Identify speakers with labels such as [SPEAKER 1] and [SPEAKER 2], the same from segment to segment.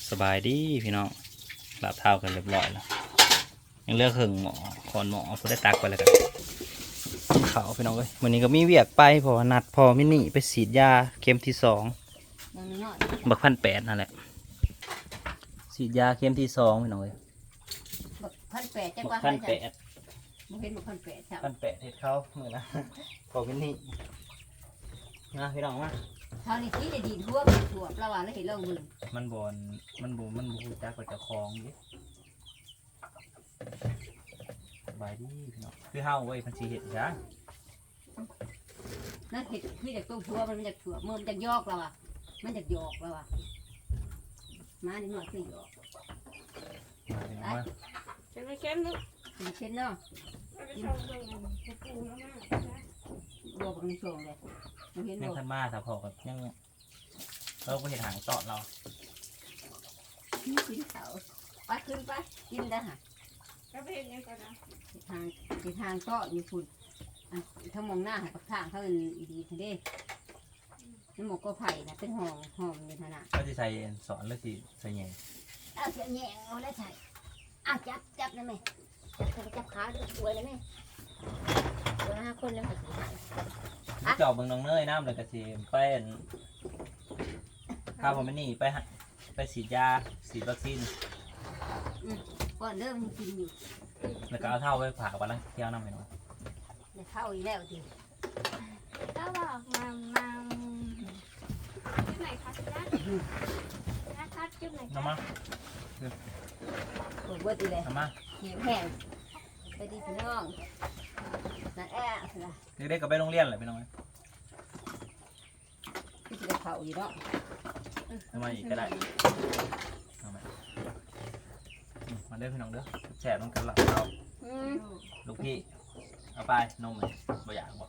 [SPEAKER 1] สบายดีพี่น้องลาบเท้ากันเรียบร้อยแล้วยังเลือกเครื่องหมอคอนหมอผู้ได้ตักไปแล้วกันเขาพี่น้องเอ้ยวันนี้ก็มีเวียกไปเพราะว่านัดพอมินี่ไปฉีดยาเข็มที่2บัก1,800นั่นแหละฉีดยาเข็มที่2พี่น้องเอ้ย
[SPEAKER 2] บัก1,800จัง
[SPEAKER 1] บั
[SPEAKER 2] ว่าก
[SPEAKER 1] 1,800
[SPEAKER 2] บ่เห็นบัก1,800ครับ
[SPEAKER 1] 1,800เฮ็ดเขาเหมือนนะพอมินี่นะพี่น้องมา
[SPEAKER 2] เท่านี้ที่ได้ดีทั่วแล้วว่าแล้วเห็นเรื่องมึง
[SPEAKER 1] มันบฮู้จักกับเจ้าของดิสบายดีพี่น้องคือเฮาเว้ยมันสิเฮ็ดจ้ะ
[SPEAKER 2] นั่นเห็ดคือจากตู้ทั่วมันจากถั่วเมื่อมันจากยอกแล้วอ่ะมันจากยอกแล้วอ่ะมาดิหน่อยคือยอก
[SPEAKER 1] มาพี่น้องมา
[SPEAKER 3] เป็นไม่เข้มนึก
[SPEAKER 2] เป็นเช่นเนาะ
[SPEAKER 3] ไปชมเลยปูแล้วมากนะ
[SPEAKER 2] บอกกับในช่วงเลยมันเห็น
[SPEAKER 1] ยัง
[SPEAKER 2] บอก
[SPEAKER 1] ทันมาถ้าพอกับยังเราก็เห็นหางตอดเรา
[SPEAKER 2] กินเขาไปขึ้นไปกินได้ฮะ
[SPEAKER 3] ก็เป็นยังไงนะ
[SPEAKER 2] ทางก็มีฝุ่นถ้ามองหน้าหากับทางเขาเป็นดีทีเด้น้ำหมกก็ไผ่นะเป็นหอมในขนาด
[SPEAKER 1] ก็จะใส่สอนแล้วสิใส่แหน่
[SPEAKER 2] เอาเสียแยงเอาแล้วใส่จับนะแม่จับขาสวยเลยแม่ตัว5 คนแล้วค่ะ
[SPEAKER 1] จอบเบิ่งน้องเนยน้ำเลยกระเทียมไปข้าวผมไม่นี่ไปฉีดยาฉีดวัคซีน
[SPEAKER 2] ก่อนเริ่มกินอยู่
[SPEAKER 1] แล้วก็เอาเท่าไปผ่าวันละเที่ยวน้ำไปหน่อย
[SPEAKER 2] ในเข้าอีกแล้วที
[SPEAKER 3] ก็บอกมาจุดไหนคะนะคะจุดไหน
[SPEAKER 1] น้ำมา
[SPEAKER 2] ปวดเบิดอีเลย
[SPEAKER 1] น้ำมา
[SPEAKER 2] เหี่ยวแห้งไปดีพี่น้องนั่นแอะนะ
[SPEAKER 1] เด็กๆก็ไปโรงเรียนเลยไปน้อง
[SPEAKER 2] พี่จะเข้าอยู่เนาะ
[SPEAKER 1] น้ำมาอีกก็ได้เอามามาเด้อพี่น้องเด้อแฉะต้องกันหลับเราลูกพี่เอาไปนมเลยบ่อยากบอก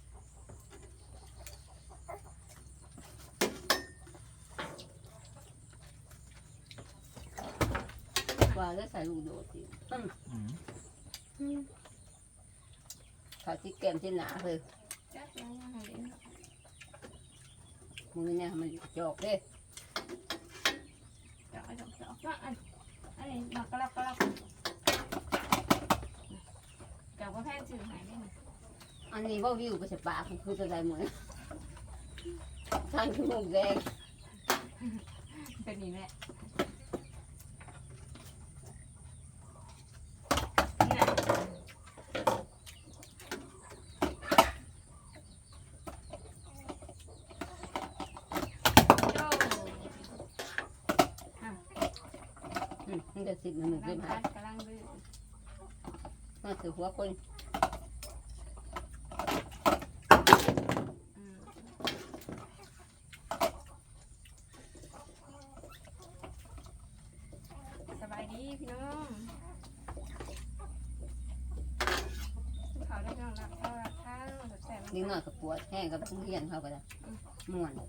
[SPEAKER 2] ว่าแล้วใส่ลูกโดดสิเขาที่แก้มที่หนาเลย
[SPEAKER 3] จัดแล้วยังไง
[SPEAKER 2] มือเนี่ยมันจอกเด้
[SPEAKER 3] เจาะว่าอันนี้มากระลักจับก็แพงสื่อหายได้ไหม
[SPEAKER 2] อันนี้ว่าวิวไปเสปากคือจะได้เหมือนทางที่มุกแดง
[SPEAKER 3] เป็นนี้แหละ
[SPEAKER 2] มันจะสิบมันขึ้นหาก
[SPEAKER 3] ำลังดื้อ
[SPEAKER 2] มาถือหัวคน
[SPEAKER 3] สบายดีพี่น้องเขาได้นอนหลับเขาหลับข้างแสบ
[SPEAKER 2] นิดหน่อยกับปวดแห้งกับทุเรียนเข้าไปแล้วม่วน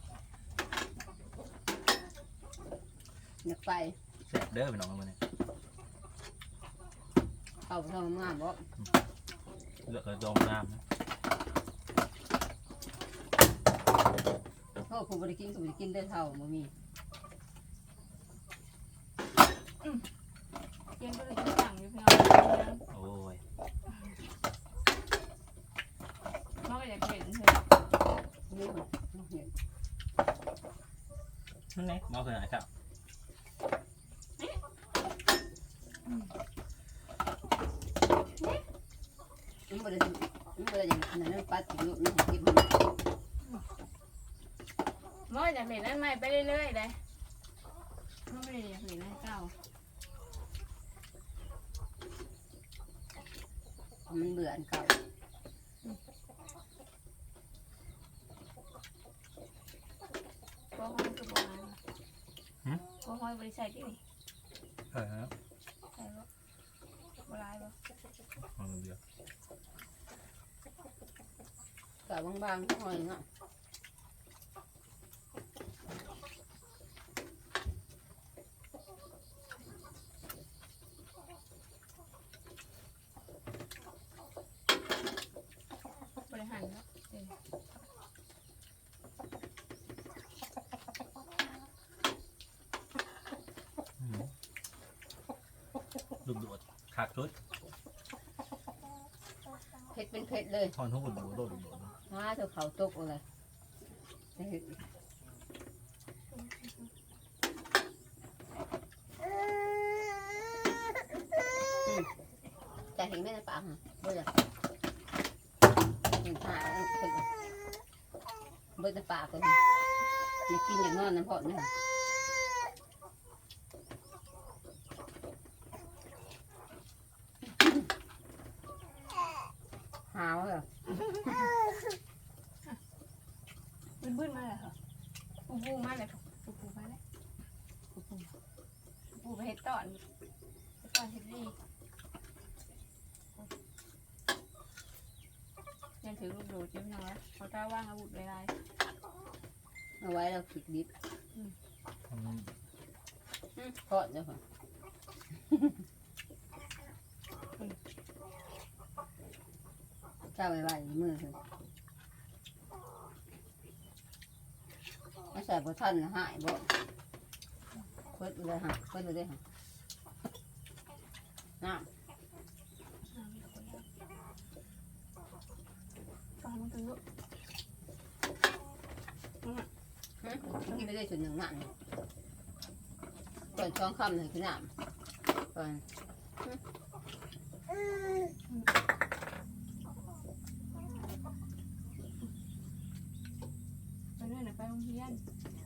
[SPEAKER 2] อยากไป
[SPEAKER 1] แฉะเด้อพี่น้องมาเนี่ย
[SPEAKER 2] เอาไปทำงานบ่
[SPEAKER 1] เลือกกระดมน้ำนะ
[SPEAKER 2] โอ้ผมบริกินก็บริกินได้เท่าบ่มี
[SPEAKER 3] เย็นก็เลยกินสั่งอยู่พี่น้อง
[SPEAKER 1] โอ้ย
[SPEAKER 3] น้องก็อยากเห็นเธอ
[SPEAKER 2] นี่มันเห็น
[SPEAKER 1] นั่นไงมาเพื่อนไหนครับ
[SPEAKER 2] มันบริอย่างนั้นปัดถึงลูกนี่กิน
[SPEAKER 3] น้องอยากเห็นนั่นใหม่ไปเรื่อยๆเลยน้องไม่ได้อยากเห็นนั่นเก่า
[SPEAKER 2] มันเบื่ออันเก่า
[SPEAKER 3] โบ้ห้อยคือโบ้ห้อยโบ้ห้อยบริษัทดิ
[SPEAKER 1] ใช่ครับ
[SPEAKER 3] ใช่ปะโบราณปะ
[SPEAKER 1] เอาเดียว
[SPEAKER 2] เก่าบางๆหน่อยเนาะ
[SPEAKER 3] บริหารเนาะ
[SPEAKER 1] ลูกโดดขากชุด
[SPEAKER 2] เผ็ดเป็นเผ็ดเลย
[SPEAKER 1] ทอนทุกคนดูโดดลูกโดด
[SPEAKER 2] เจ้าเขาตกอะไรจะเห็นจะเห็นไหมในปากฮะเบื่อเห็นผ่าเป็นเบื่อในปากเลยอยากกินอย่างนอนน้ำพอดเนี่ยหาวเหรอ
[SPEAKER 3] บึ้นมาเลยค่ะปูมาเลยปูมาเลยปูไปเห็ดตอนเห็ดดียังถือลูกโดดจิ้มน้อยเขาถ้าว่างอาวุธเวลา
[SPEAKER 2] เอาไว้เราขิดดิบทอดเดี๋ยวค่ะเจ้าไว้ไว้มือคือไม่ใส่บะท่านหายบ่เพิ่นเลยฮะเพิ่นเลยฮะน้ำ
[SPEAKER 3] ฟังมันกันลูก
[SPEAKER 2] กินไม่ได้ส่วนหนึ่งนั่นก่อนช่องคำหนึ่งคือน้ำก่อน
[SPEAKER 3] ไปเรื่อยไปโรงเรียน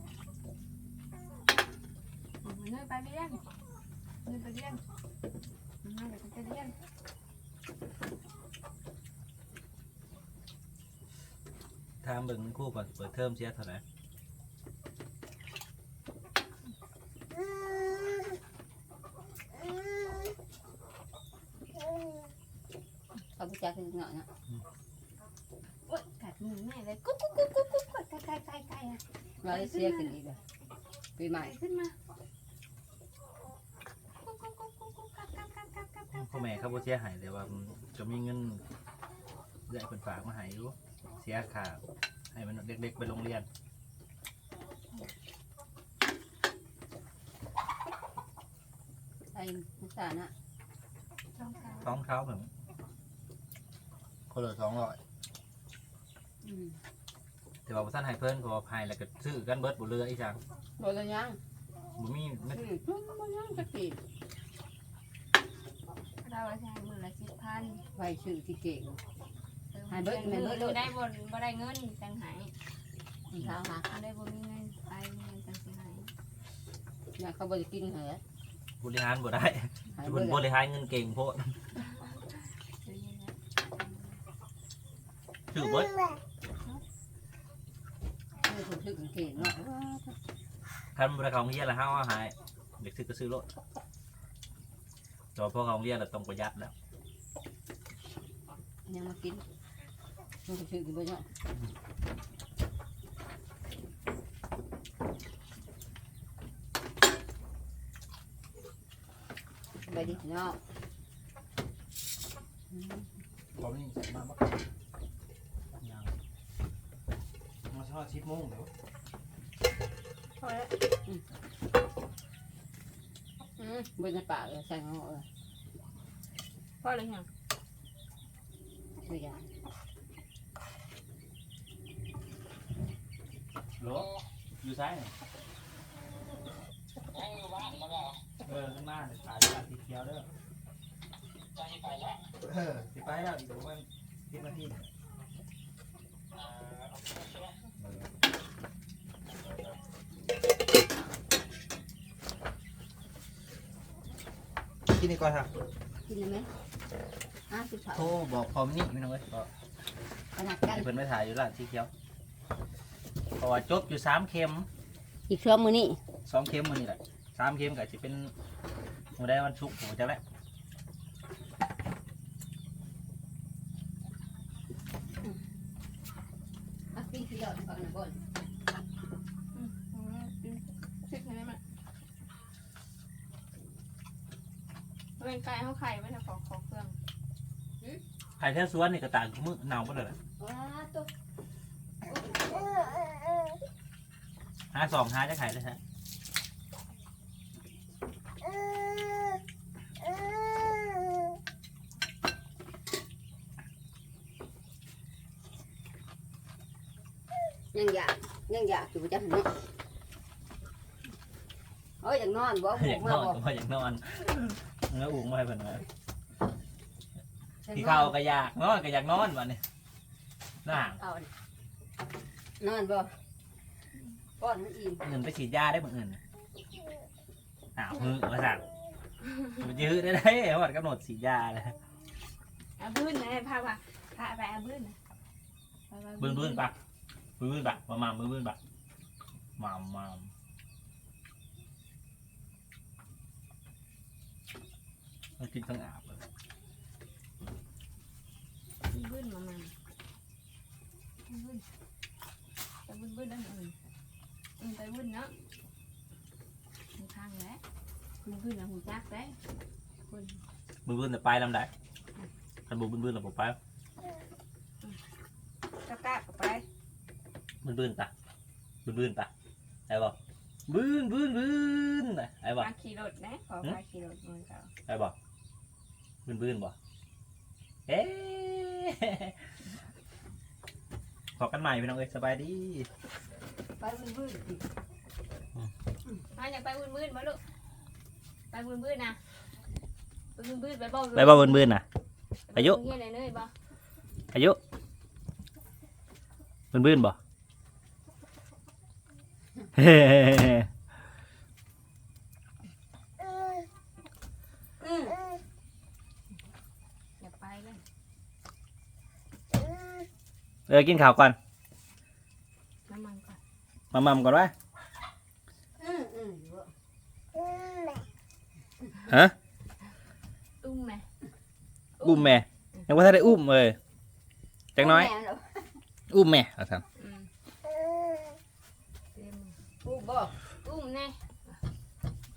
[SPEAKER 3] เรื่อยไปเรียนเรื่อยไปเรียนมาเดี๋ยวจะเรียน
[SPEAKER 1] ถามเบิ่งคู่ก่อนเปิดเทอมเสียเท่าไหร่
[SPEAKER 2] เขาไปจักคือเงาะนะ
[SPEAKER 3] โอ๊ยกัดมือแม่เลยกุ๊กกุ๊กกุ๊กกุ๊กกุ๊กไก่อะ
[SPEAKER 2] เราได้เสียกันอีกเลยปีใหม่
[SPEAKER 3] ขึ้นมากุ๊กกุ๊กกุ๊กกุ๊กกุ๊กกัด
[SPEAKER 1] พ่อแม่เขาบ่เสียหายแต่ว่าจะมีเงินได้เป็นฝากมาให้อยู่เสียค่าให้มันเด็กๆไปโรงเรียน
[SPEAKER 2] ไอ้มุสานะ
[SPEAKER 1] ท้องเขาเหมือนคนละ200แต่ว่าบ่ทันให้เพิ่นเพราะว่าให้แล้วก็ซื้อกันเบิดบ่เหลืออีจัง
[SPEAKER 2] บอลยัง
[SPEAKER 1] บ่มีมัน
[SPEAKER 2] บอลยังสักที
[SPEAKER 3] เราใช้มือละ10,000
[SPEAKER 2] ไว้ชื่อที่เก่ง
[SPEAKER 3] มือได้บนบ่ได้เงินจังหาย
[SPEAKER 2] เท้าหา
[SPEAKER 3] ได้บ่มีเงินไปเงินจังสิหาย
[SPEAKER 2] อยากเขาบริกินเหรอบ
[SPEAKER 1] ริหารบ่ได้
[SPEAKER 2] หาย
[SPEAKER 1] เพิ่น
[SPEAKER 2] เบื่
[SPEAKER 1] บ
[SPEAKER 2] อ
[SPEAKER 1] ริหารเงินเก่งโพดซื้อเบิด
[SPEAKER 2] ไม่ถูกชื่อเก่งเนาะ
[SPEAKER 1] คันบ่ได้เข้าโรงเรียนแล้วเฮาเอาหายเด็กซื้อก็ซื้อรถแต่ว่าพอเข้าโรงเรียนแล้วต้องประหยัดแล้ว
[SPEAKER 2] ยังมากินไม่ถูกชื่อกินบ่เนาะไปดิเนาะ
[SPEAKER 1] พอนี่ใส่มาบ่ยังมาทอด10:00นเด้อ
[SPEAKER 3] พอแล้ว
[SPEAKER 2] บนในปากเลยใส่หัวเลย
[SPEAKER 3] พอเลยยัง
[SPEAKER 2] ตัวอย่าง
[SPEAKER 1] โหลอยู่ซ้ายนี่ข้างหน้าเนี่ยถ่ายจากสีเขียวเด้อสิไปแล้วอีกประมาณ10 นาทีกินดีกว่าครับ
[SPEAKER 2] กินเลยไหมสิบเผา
[SPEAKER 1] โทรบอกพร้อมนี่พี่น้องเอ้ยก็
[SPEAKER 2] ขนาดกัน
[SPEAKER 1] ให้เพิ่นไปถ่ายอยู่ร้านสีเขียวเพราะว่าจบอยู่3 เข็ม
[SPEAKER 2] อีกช่วงมือนี่
[SPEAKER 1] 2 เข็มมื้อนี้แหละ3 เข็มก็สิเป็นมื้อใดวันศุกร์ผมจักแล้ว
[SPEAKER 2] กินขี้หลอดก่อนนะก่อน
[SPEAKER 3] สิบเลยมั้ยเป็นไก่เขาไข่ไว้นะขอเครื่อง
[SPEAKER 1] ไข่แท้สวนนี่ก็ต่างกับมื้อหนาวบ่ได้ล่ะ
[SPEAKER 2] ว้าตัว
[SPEAKER 1] หา2หาจะไข่ได้ฮะ
[SPEAKER 2] ยังอยากอยู่จังเนาะเอ้ยอยากนอนบ่
[SPEAKER 1] อยาก
[SPEAKER 2] มาน
[SPEAKER 1] อน
[SPEAKER 2] บ่
[SPEAKER 1] ก็ว่าอยากนอนแล้วอุ้งมาให้เพิ่นว่าที่เข้าก็อยากนอนก็อยากนอนวันนี้น่า
[SPEAKER 2] เอานอนบ่ป้อนมันอิ่ม
[SPEAKER 1] เงินไปฉีดยาได้บ่เงินอ้าวมือมาสั่งมันยื้อได้หมดกำหนดฉีดยาเลย
[SPEAKER 3] อาบื้นนะพาไปอาบื้นนะ
[SPEAKER 1] บื้นปะบื้นปะมาบื้นปะมามันกินทั้งอาบเลย
[SPEAKER 3] บื้นมาบื้นไปบื้นนั่นไปบื้นเนาะหูทางแล้วบื้นนะหูจักแล้วคน
[SPEAKER 1] บื้นแต่ไปลำได้คันบูบื้นเราบอกไป
[SPEAKER 3] กล้าไป
[SPEAKER 1] บื้นปะไอ้บอกบื้นไอ้บอก
[SPEAKER 3] มาขี่รถนะขอมาขี่รถมือเขา
[SPEAKER 1] ไอ้บอกบื้นบ่เอ๊ขอกันใหม่พี่น้องเอ้ยสบายดี
[SPEAKER 2] ไปบื้น
[SPEAKER 3] มาอยากไปบื้นมาลูกไปบื้นนะไปบื้นไปบอก
[SPEAKER 1] ไปบ่บื้นน่ะอายุ
[SPEAKER 3] เงี้ยเลยบ่
[SPEAKER 1] อายุบื้นบ่เฮ้
[SPEAKER 3] อยากไปเลย
[SPEAKER 1] กินข้าวก่อน
[SPEAKER 3] น้ำมันก่อน
[SPEAKER 1] มาม่ำก่อนวะฮะ
[SPEAKER 3] อุ้มไหม
[SPEAKER 1] อุ้มแม่ยังว่าถ้าได้อุ้มเลยจังน้อยอุ้มแม่เอาทำ
[SPEAKER 3] เต็ม
[SPEAKER 2] อู้บ่
[SPEAKER 3] อุ้มแน่
[SPEAKER 2] อ